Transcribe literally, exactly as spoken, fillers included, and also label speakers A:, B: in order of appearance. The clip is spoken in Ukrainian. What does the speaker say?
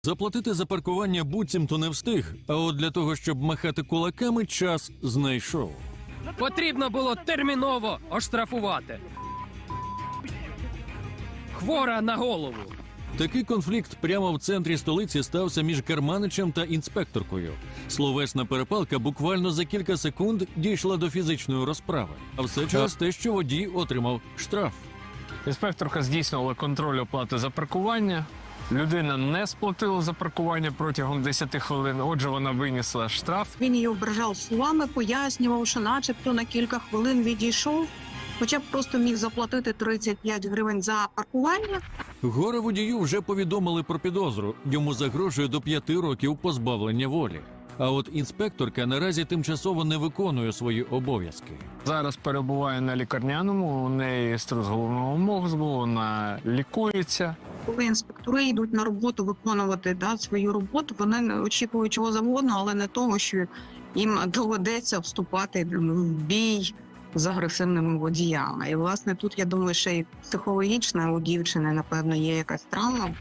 A: Заплатити за паркування буцімто не встиг, а от для того, щоб махати кулаками, час знайшов.
B: Потрібно було терміново оштрафувати. Хвора на голову.
A: Такий конфлікт прямо в центрі столиці стався між керманичем та інспекторкою. Словесна перепалка буквально за кілька секунд дійшла до фізичної розправи. А все через те, що водій отримав штраф.
C: Інспекторка здійснювала контроль оплати за паркування. Людина не сплатила за паркування протягом десяти хвилин, отже, вона винесла штраф.
D: Він її ображав словами, пояснював, що начебто на кілька хвилин відійшов, хоча б просто міг заплатити тридцять п'ять гривень за паркування.
A: Горе водію вже повідомили про підозру. Йому загрожує до п'яти років позбавлення волі. А от інспекторка наразі тимчасово не виконує свої обов'язки.
C: Зараз перебуває на лікарняному, у неї струс головного мозку, вона лікується.
D: Коли інспектори йдуть на роботу виконувати да, свою роботу, вони не очікують чого завгодно, але не того, що їм доведеться вступати в бій з агресивними водіями. І, власне, тут, я думаю, ще й психологічна у дівчини, напевно, є якась травма.